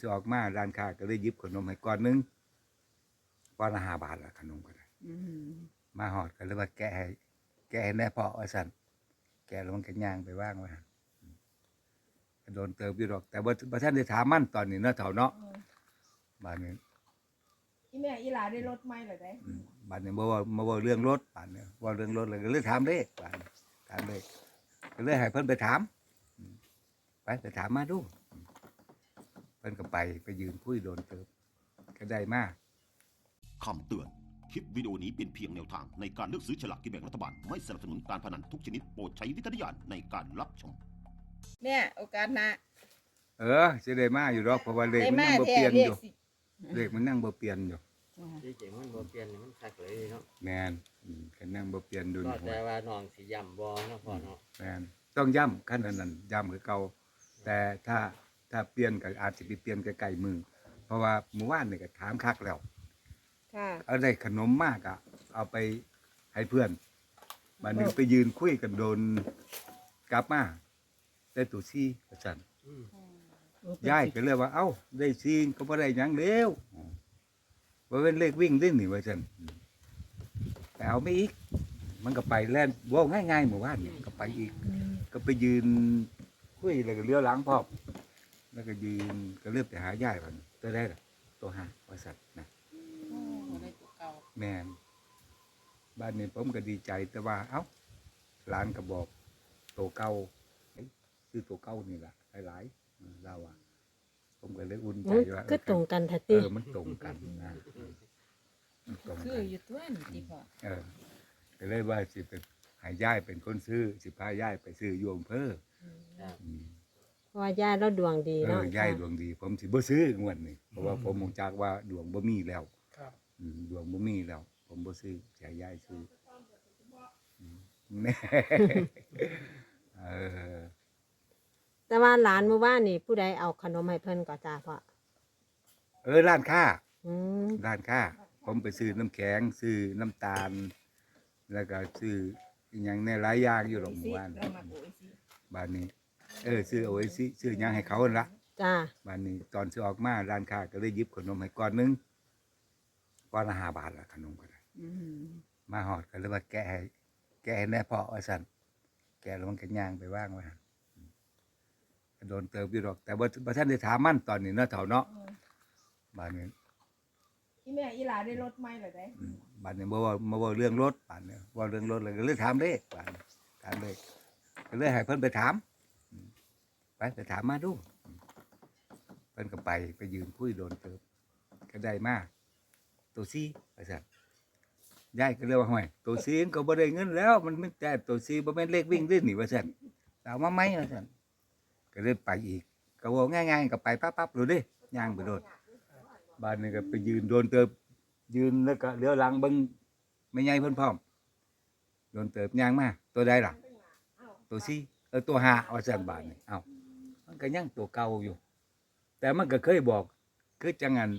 สิออกมาร้านค้าก็เลยหยิบขนมให้ก้อนหนึงก้อนละ5 บาทละขนมก็ได้มาหอดก็เลยว่าแกะให้แน่พ่อว่าซั่นแกะแล้วมันก็ย่างไปวางไว้หั่นก็โดนเติบอยู่ดอกแต่บ่ทันได้ถามมันตอนนี้เนาะเฒ่าเนาะบาดนี้อีแม่อีหลาได้รถไหมเหรอได้บาดนี้บ่ว่าเรื่องรถบาดนี้ว่าเรื่องรถเลยก็เลยถามเลขบาดนี้ถามเลขก็เลยให้เพิ่นไปถามไปถามมาดูเพิ่นก็ไปยืนคุยโดนเติบก็ได้มาคำเตือน คลิปวิดีโอนี้เป็นเพียงแนวทางในการเลือกซื้อฉลากกินแบ่งรัฐบาล ไม่สนับสนุนการพนันทุกชนิดโปรดใช้วิจารณญาณในการรับชมแม่โอกาสหน้าสิได้มาอยู่ดอกเพราะว่าเลขได้มันมายังบ่แท้เปลี่ยนเรีอยกยู่สิเลขมันยังบ่เปลี่ยนอยู่ที่จริงมันบ่เปลี่ยนนี่มันคักเลยเนาะแม่นคันยังบ่เปลี่ยนดูก็นี่แต่ว่าน้องสิย่ำบ่เนาะพ่อเนาะแม่นต้องย้ำคันนั้นย้ำคือเก่าแต่ถ้าเปลี่ยนก็อาจสิไปเปลี่ยนใกล้ๆมือเพราะว่าเมื่อวานนี่ก็ถามคักแล้วค่ะเอาได้ขนมมากอ่ะเอาไปให้เพื่อนบัดนี้ไปยืนคุยกันโดนกลับมาได้ตู้ซี่ว่าซั่น ยายก็เลยว่าเอ้าได้ซีนก็บ่ได้หยังเร็วว่าเป็นเลขวิ่งเล่นนี่ว่าซั่นแต่เอาไม่อีก มันก็ไปแล่นเว้าง่ายๆหมู่บ้านนี่ก็ไปอีก ก็ไปยืนคุยแล้วก็เลี้ยวหลังพร้อมแล้วก็ยืนก็เริ่มไปหายายว่าตัวได้ล่ะตัวหาว่าซั่นนะแม่นบ้านนี้ผมก็ดีใจแต่ว่าเอ้าหลานก็บอกตัวเก่าคือตัวเก่านี่ล่ะหลายๆเราอ่ะผมก็เลยอุ่นใจว่าก็ตรงกันแท้ติมันตรงกันนะมันตรงคืกัอน อยู่ตัวนี่ติพ่อก็เลยว่าสิเป็นให้ย่ายเป็นคนซื้อสิพาย่ายไปซื้ออยู่อำเภอครับเพราะว่าย่าเราดวงดีเนาะย่ายดวงดี ผมสิบ่ซื้องวดนี้เพราะว่าผมมองจากว่าดวงบ่มีแล้วครับดวงบ่มีแล้ว ผมบ่ซื้อจะให้ย่ายซื้อแน่เออแต่ว่าหลานเมื่อวานนี่ผู้ใดเอาขนมให้เพิ่นก็จ้าพ่อร้านค้าอืมร้านค้าผมไปซื้อน้ำแข็งซื้อน้ำตาล แล้วก็ซื้ออีหยังในหลายอย่างอยู่หรอกหมู่บ้านเรามาโอ้ยสิบ้านนี้ซื้อเอาไว้ซื้อหยังให้เขาหั่นละจ้าบ้านนี้ตอนสิออกมาร้านค้าก็เลยหยิบขนมให้ก้อนหนึงก้อนละ5 บาทละขนมก็ได้มาหอดก็เลยว่าแกะให้แน่พ่อว่าซั่นแกะแล้วมันก็ย่างไปวางไว้หั่นก็โดนเติบอยู่ดอกแต่บ่ทันได้ถามมันตอนนี้เนาะเฒ่าเนาะบ้านนี้อีแม่อีหลาได้รถไหมเหรอได้บ้านนี้บ่ว่าเรื่องรถบ้านนี้ว่าเรื่องรถเลยก็เลยถามเลขบ้านนี้ถามเลขก็เลยให้เพิ่นไปถามไปถามมาดูเพิ่นก็ไปยืนคุยโดนเติบก็ได้มาตัวซี่ว่าซั่นยายก็เลยว่าห้อยตัวซี่ก็บ่ได้เงินแล้ว มันไม่แต่ตัวซี่บ่แม่นเลขวิ่งเล่นนี่ว่าซั่นเอามาไหมว่าซั่นก็เลยไปอีกก็เว้าง่ายๆก็ไปปั๊บๆโลดเด้ย่างไปโลดบ้านนี้ก็ไปยืนโดนเติบยืนแล้วก็เลี้ยวหลังเบิ่งแม่ใหญ่เพิ่นพร้อมโดนเติบย่างมาตัวใดล่ะตัวซี่ตัวห้าว่าซั่นบาดนี้เอ้ามันก็ยังตัวเก่าอยู่ แต่มันก็เคยบอกคือจังงั้น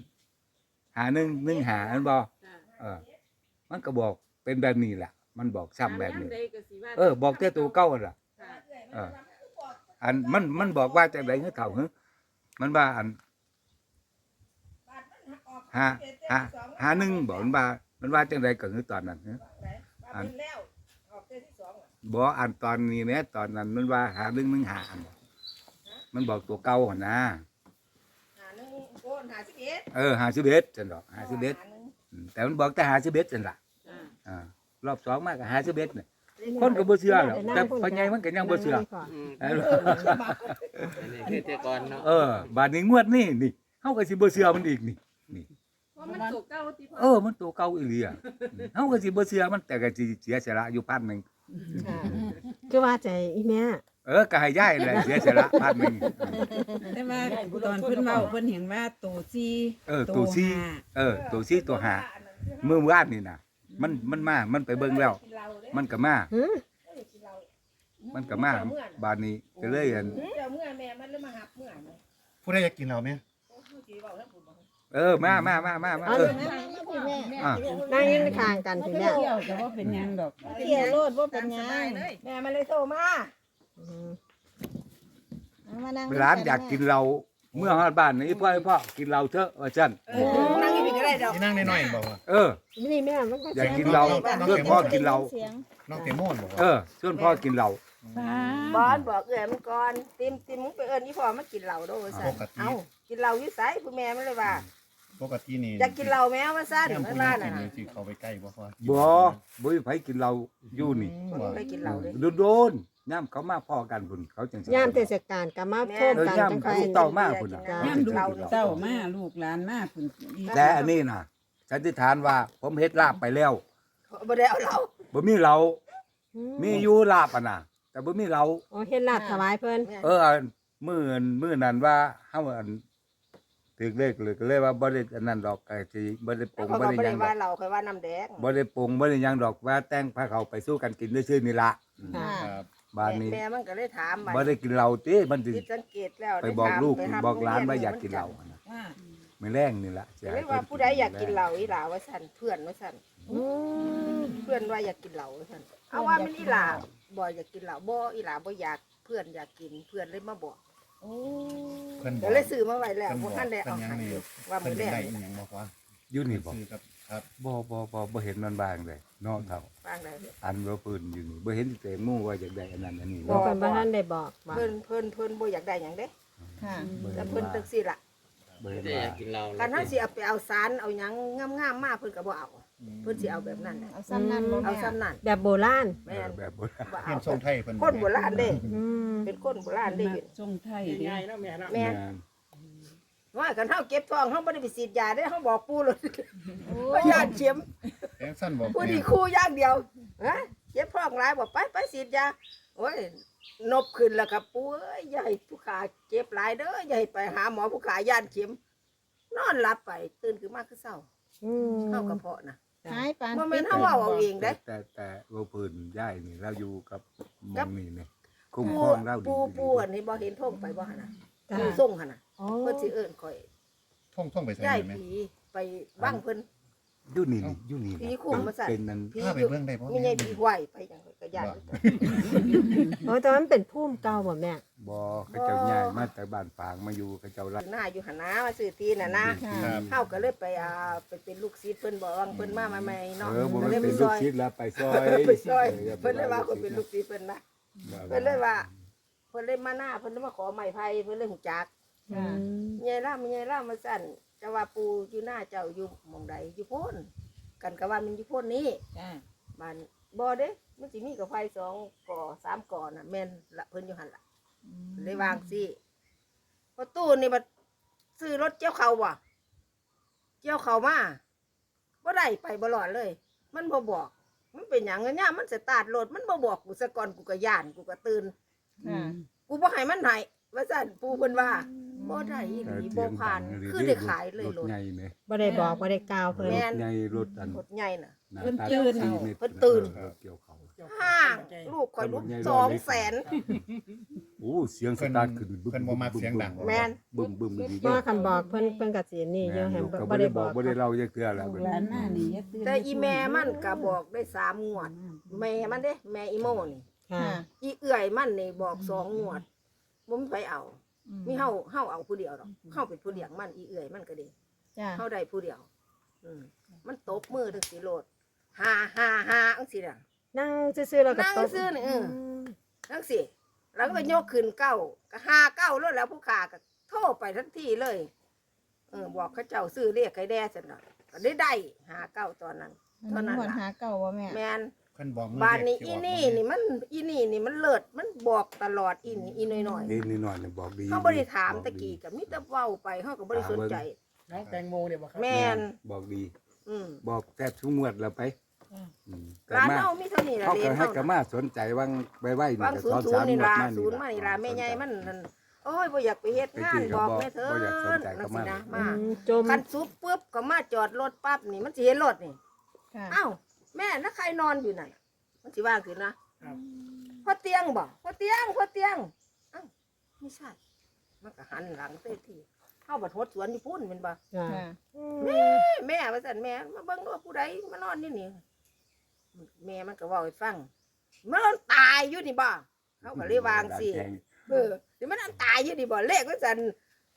1 5อันบ่มันก็บอกเป็นแบบนี้แหละมันบอกซ้ำแบบนี้บอกแต่ตัวเก่าหั่นล่ะอันมันบอกว่าจังได๋คือเฒ่าหึมันว่าอัน51บอกมันว่าจังไดก็คือตอนนั้นหึอันแล้วออกเดือนที่2อ่ะบ่อันตอนนี้แม้ตอนนั้นมันว่า5115อันมันบอกตัวเก่าหั่นนะหานึงโอน51 51จังดอก51แต่มันบอกแต่51จังล่ะรอบ2มาก็51น่ะคนก็บ่เชื่อหรอกแต่พ่อใหญ่มันก็ยังบ่เชื่ออันนี้คือแต่ก่อนเนาะบาดนี้งวดนี้นี่เฮาก็สิบ่เชื่อมันอีกนี่เพราะมันตกเก้าติพ่อมันตัวเก่าอีหลีอ่ะเฮาก็สิบ่เชื่อมันแต่ก็สิเสียสละอยู่1,000 ค่ะคือว่าใจอีแม่ก็ให้ยายแหละเสียสละ1,000 แต่ว่าตอนเพิ่นเว้าเพิ่นเห็นว่าโตซีตัวซี่ตัวซี่ตัวหามื้อวานนี่น่ะมันมามันไปเบิ่งแล้ว มันก็มาหือมันก็มาบาดนี้ก็เลยอันเจ้าเมื่อแม่มันเลยมาหับเมื่อนี่ผู้ใดอยากกินเราไหมโอ้ผู้สิเว้าทั้งพุ่นบ่มาเอาเลยนั่งยืนข้างกันพี่แม่เที่ยวแต่ว่าเป็นหยังดอกเที่ยวโลดบ่เป็นหยังแม่มันเลยโทรมาอืมร้านอยากกินเราเมื่อฮอดบ้านนี่พ่อกินเหล้าเถอะว่าซั่นนั่งอยู่นี่ก็ได้ดอกที่นั่งน้อยๆบอกว่านี่แม่มันก็อยากกินเหล้าชวนพ่อกินเหล้าน้องเตโมนบอกว่าชวนพ่อกินเหล้าบอนบอกเอื้อยมันก่อนติมมึงไปเอิ้นอีพ่อมากินเหล้าโดว่าซั่นเอ้ากินเหล้าอยู่ไสผู้แม่มันเลยว่าปกตินี่อยากกินเหล้าแม่ว่าซั่นย่ำมันผู้ว่านั่งน่ะกินเลยสิเขาไปใกล้บ่พอบ่มีไผกินเหล้าอยู่นี่บ่ได้กินเหล้าเลยโดนๆย่ำเขามาพ่อกันพุ่นเขาจังสิยามเทศกาลก็มาโทษกันย่ำจังค่อยลูกเต้ามาพุ่นน่ะจ้ะย่ำลูกเต้ามาลูกหลานมาพุ่นแต่อันนี้น่ะสันนิษฐานว่าผมเฮ็ดลาบไปแล้วบ่ได้เอาเหล้าบ่มีเหล้ามีอยู่ลาบอ่ะน่ะแต่บ่มีเหล้าโอ้เฮ็ดลาบถวายเพิ่นอันมื้อนั้นว่าเฮาอันถึกเลขเลยก็เลยว่าบ่ได้อันนั้นดอกก็สิบ่ได้ปรุงเขาบ่ก็ได้บ่หยัได้งดว่าอกเหล้าค่อยว่าน้ำแดงบ่ได้ปรุงบ่ได้หยังดอกว่าแต่งพาเขาไปสู้กันกินซื่อๆนี่ล่ะค่ะครับบ้านนี้แม่มันก็เลยถามบ่ได้กินเหล้าติมันสิผิดสังเกตแล้วไปบอกลูกได้ถมบอกหลานไปว่าถมอยากกินเหล้าโรงรียอะนะไม่แรงนี่ล่ะสินให้เรียกว่าผู้ใดอยากกินเหล้าอีหลาว่าซั่นเพื่อนว่าซั่นอืมเพื่อนว่าอยากกินเหล้าว่าซั่นเอาว่ามันอีหลาบ่อยากกินเหล้าบ่อีหลาบ่อยากเพื่อนอยากกินเพื่อนเลยมาบอกเพิ่นบเดี๋อย กยวเลยซื้อมาไว้แล้วเพิ่นบอกบ่ทันได้เพิ่เอานยังให้นี่ว่าเพิ่มื้นอแรได้กอีหยังบอกว่าอยู่นี่บ่ซื้อครับบ่เห็นมันบางเลยเนาะเท่าฟังได้อันว่าปืนอยู่นี่บ่เห็นแต่หมู่ว่าอยากได้อันนั้นอันนี้บ่เนาะเพิ่นบ่ทันได้บอกว่าเพิ่นบ่อยากได้หยังเด้ค่ะบ่แต่เห็นเพิ่นว่าจังซี่ล่ะบ่เห็นจะอว่ายากกินเหล้าคันเฮาสิเอาไปเอาสารเอาหยังงามๆมาเพิ่นก็บ่เอาเพิ่นสิเอาแบบนั้นน่ะเอาซ้ำนั่นบ่เอาแม่ซ้ำนั่นแบบโบราณแม่นแบบบ่ได้บ่เฮียเอานทรงไทยเพิ่นคนโบราณเด้อืมเป็นคนโบราณเด้มักทรงไทยเด้แม่นว่ากันเฮาเก็บทองเฮาบ่ได้ไปฉีดยาเด้เฮาบอกปู่เลยว่าญาติเข็มแองสั้นบอกผู้ดีคู่อย่างเดียวฮะเจ็บท้องหลายบอกไปฉีดยาโอ้ยนบขึ้นแล้วครับปู่เอ้ยอย่าให้ผู้ขาเจ็บหลายเด้ออย่าให้ไปหาหมอผู้ขาย่านเข็ม นอนหลับไปตื่นขึ้นมาคือเศร้าอืมเข้ากระเพาะนะหายปานบ่แม่นเฮาเว้าเอาเองเด้แต่ว่าปืนย้ายนี่เราอยู่กับหมกัอบ งนี่นี่คุ้มปู่ครองเราดีปู่อันนี้บ่เห็นท่งไปบ่หั่นน่ะจ้ะปู่ส่งหั่นน่ะอ๋อเพิ่นสิเอิ้นข่อยท่องไปใส่ย้ายไหมผีไปบ้างเพิ่นอยู่นี่อยู่นี่ผีคุ้มมาสั่นเป็นนั่นผีพาไปอยู่เบิ่งได้บ่มีใหญ่ผีไหวไปจังก็ย้ายโอ้แต่ว่ามันเป็นภูมิเก่าบ่แม่บ่เขาเจ้าย้ายมาแต่บ้านฝางมาอยู่เขาเจ้าอรักยู่หน้าอยู่หั่นนะมาซื้อที่น่ะนะครับ เฮาก็เลยไปไปเป็นลูกศิษย์เพิ่นบอกว่าเพิ่นมาใหม่ๆเนาะบ่ก็มันเลยไปเป็นซลูกอยศิษย์แล้วไปซอยไปซอยเพิ่นเลยว่าคนเป็นลูกศิษย์เพิ่นนะเพิ่นเลยว่าเพิ่นเลยมาหน้าเพิ่นเลยมาขอไม้ไผ่เพิ่นเลยหูจักอืมยายล่ามาสั่นจะว่าปูอยู่หน้าเจ้าอยู่หม่องใดอยู่โพ้นกันก็ว่ามันอยู่โพ้นนี้จ้าบ้านบ่เด้มันสิมีกับไฟ2ก่อ3ก่อน่ะแม่นละเพิ่นอยู่หั่นล่ะเลยวางสิพอตู้นี่บัดซื้อรถเกี่ยวเขาบ่เกี่ยวเขามาบ่ได้ไปบ่รอดเลย มันบ่บอก มันเป็นหยังเนี่ยมันสตาร์ทรถมันบ่บอกกูซะก่อนกูก็ย่านกูก็ตื่นค่ะกูบ่ให้มันให้ว่าซั่นปู่เพิ่นว่าบ่ได้อีหลีบ่ผ่านคือได้ขายเลยรถใหญ่แม่บ่ได้บอกบ่ได้กล่าวเพิ่นแม่นใหญ่รถอันรถใหญ่น่ะหาเพิ่นตาตื่น 4เมตรเพิ่นตื่นเกี่ยวเขาห้างลูกข่อยลูก200,000 โอ้เสียงสตาร์ทขึ้นเพิ่นบ่มักเสียงดังแม่นบึ้มบึ้มดีเพราะว่าคันบอกเพิ่นก็สินี่อยู่แฮมก็บ่บ่ได้ได้บบ ออก กบ่ได้เล่าจักเทื่อแล้วลูกหลานมานี่อย่าตื่นแต่อีแม่มันก็บอกได้3งวด แม่มันเด้แม่อีโมนี่ค่ะอีเอื้อยมันนี่บอก2งวดบ่มีไปเอา มีเฮาเอาผู้เดียวดอกเฮาเป็นผู้เลี้ยงมันอีเอื้อยมันก็ดีจ้าเฮาได้ผู้เดียวมันตบมือถึงสิโลด5จังซี่น่ะนั่งซื่อๆแล้วก็นั่งตบซื่อๆนี่จังซี่แล้วก็ยกขึ้นเก้าก็59แล้วแล้วผู้ค้าก็โทรไปทันทีเลยบอกเขาเจ้าซื้อเรียกไก่แด่ซั่นน่ะก็ได้59ตอนนั้น เท่านั้นหมดล่ะหาเก่าบ่แม่แม่นเพิ่นบอกมือบ้านนี้แรกอีสินี่กนี่มันอีนี่นี่มันเลิศมันบอกตลอดอีน้อยนี่นิดหน่อยนี่บอกดีๆเขาบ่ได้ถามตะกี้ก็มีแต่เว้าไปเขาก็บ่ได้สนใจน้องแตงโมเนี่ยบอกครับแม่นบอกดีอืมบอกแทบทุกงวดแล้วไปแต่ร้านมาเฮามีเท่านี้ล่ะเขาเรีก็ยนให้เฮากระมาสนใจวังไว้นี่วางก็ศูสนอนย์ศูสาน มย์นี่งวดล่ะมาศูนี่นย์มานี่ล่ะแม่ใหญ่มันนั่นโอ้ยบ่อยากไปเฮ็ดงานบอกแม่เถิดนั่นสินะมาจมคันสุดปุ๊บก็มาจอดรถปั๊บนี่มันสิเห็นรถนี่ค่ะอ้าวแม่แล้วใครนอนอยู่นั่นมันสิว่าคือนะพ่อเตียงบ่พ่อเตียงอ้าวไม่ใช่มันก็หันหลังเต้ที่เฮาบัดหดสวนอยู่พุ่นแม่นบ่จ้ะค่ะแม่ว่าซั่นแม่มาเบิ่งว่าผู้ใดมานอนนี่นี่แม่มันก็เว้าให้ฟังมันนอนตายอยู่นี่บ่เขาก็เลยวางสิเดี๋ยวมันนอนตายอยู่นี่บ่เลขว่าซั่น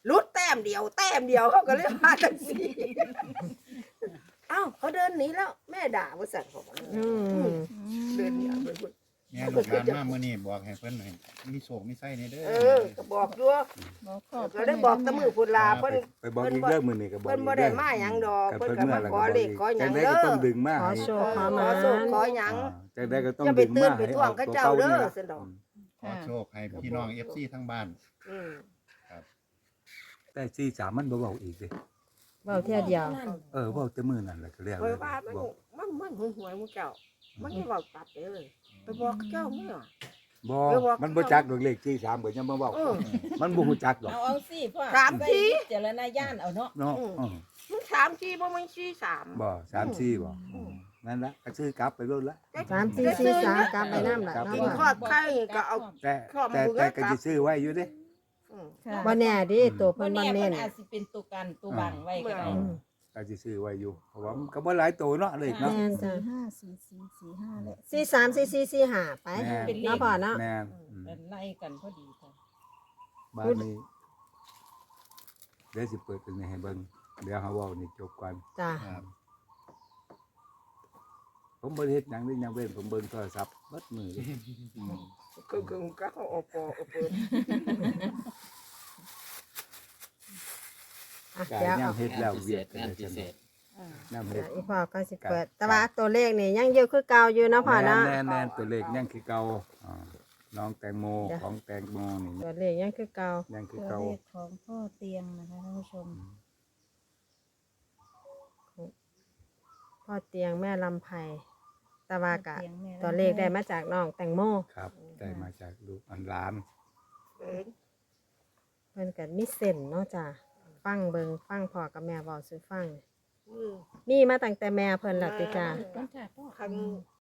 ลุดแต้มเดียวเขาก็เลยมาจังซี่ เอ้าเขาเดินหนีแล้ว แม่ด่าว่าสั่นเขาบอกอืมเดินหนีไปพุ่นแม่ลูกหลานมามื้อนี้บอกให้เพิ่นให้มีโชคมีไส้ในเด้อก็บอกอยู่บอกขอบก็ได้บอกแตะมือพุ่นลาเพิ่นไปบอกอีกเรื่องมือนี่ก็บอกเพิ่นบ่ได้มาหยังดอกเพิ่นก็มาขอเลขขอหยังจังได้เด้ก็อต้องดึงมาขอให้โชว์ขอขมาอโชคขอหยังจังได้ก็ต้องอย่าไปดึงตื่มานไปให้ท่วงออกเขาตัวเจ้าเก่าเด้นี่อล่ะซั่นดอกขอโชคให้พี่น้อง FC ทั้งบ้านอืมแต่ที่สามมันบ่เว้าอีกเด้เว้าเที่ยเดียวเว้าแต่มื้อนั่นแหละก็เรียกเพราะว่ามันหวยหมู่เจ้า มันไม่เว้าตัดเลยไปบอกเขาเจ้าแม่ว่ะบ่ไปบอกมันบ่จักดอกเลขที่สามก็ยังมาเว้าเออมันบ่ฮู้จักดอกเอาสิพ่อสามทีใส่วิจารณญาณเอาเนาะเนาะมัน3 4บ่มัน4 3 บ่3 4บ่นั่นละก็ซื้อกลับไปโลดละ 3 4 4 3กลับไปนำล่ะครับเนาะกินพ่อทอดไข่ก็เอาแต่ข้อมูแต่ลแต่ก็ครับสิซื้อไว้อยู่เด้อืมค่ะบ่แน่ดิตัวบ่เพิ่นบ่แน่เน้เพิ่นนอาจสิเป็นตัวกันตัวบังไว้ก็ได้อืมก็สิซื้อไว้อยู่เพราะว่ามันก็บ่หลายโตเนาะเลขเนาะแม่นจ้ะ 5 4 4 4 5และ 4 3 4 4 4 5ไปแม่เป็นเลขเนาะพ่อเนาะแม่นเป็นไล่กันพอดีค่ะบ้านนี้เดี๋ยวสิเปิดตรงนี้ให้เบิ่งเดี๋ยวเฮาเว้านี่จบก่อนจ้ะครับผมบ่ได้เฮ็ดหยังเลยยังเว้นผมเบิ่งโทรศัพท์เบิดมือเลยคือก็เขาเอาปอเอาเปิดอ่ะกาเดี๋ยวยามเอาเฮ็ดแล้วพิเศเวียษดก็งานได้พิจังเศษน้ำเดี๋เฮ็ยดวอีพ่อก็สิเปิด แต่ว่าตัวเลขนี่ยังอยู่คือเก่าอยู่เนาะพ่อเนาะแน่ๆตัวเลขยังคือเก่าน้องแตงโมเดี๋ยวของแตงโมนี่ตัวเลขยังคือเก่ายังคือตัวเก่าเลขของพ่อเตียงนะคะท่านผู้ชมพ่อเตียงแม่ลำไพตะวากะพ่อเตียงแม่ลำไพตัวเลขได้มาจากน้องแตงโมครับได้มาจากลูกอันหลานเองเพิ่นก็มีเส้นเนาะจ้ะฟังเบิงฟังพ่อกับแม่เว้าสู่ฟังอืมมีมาตั้งแต่แม่เพิ่นล่ะติจ้าคัน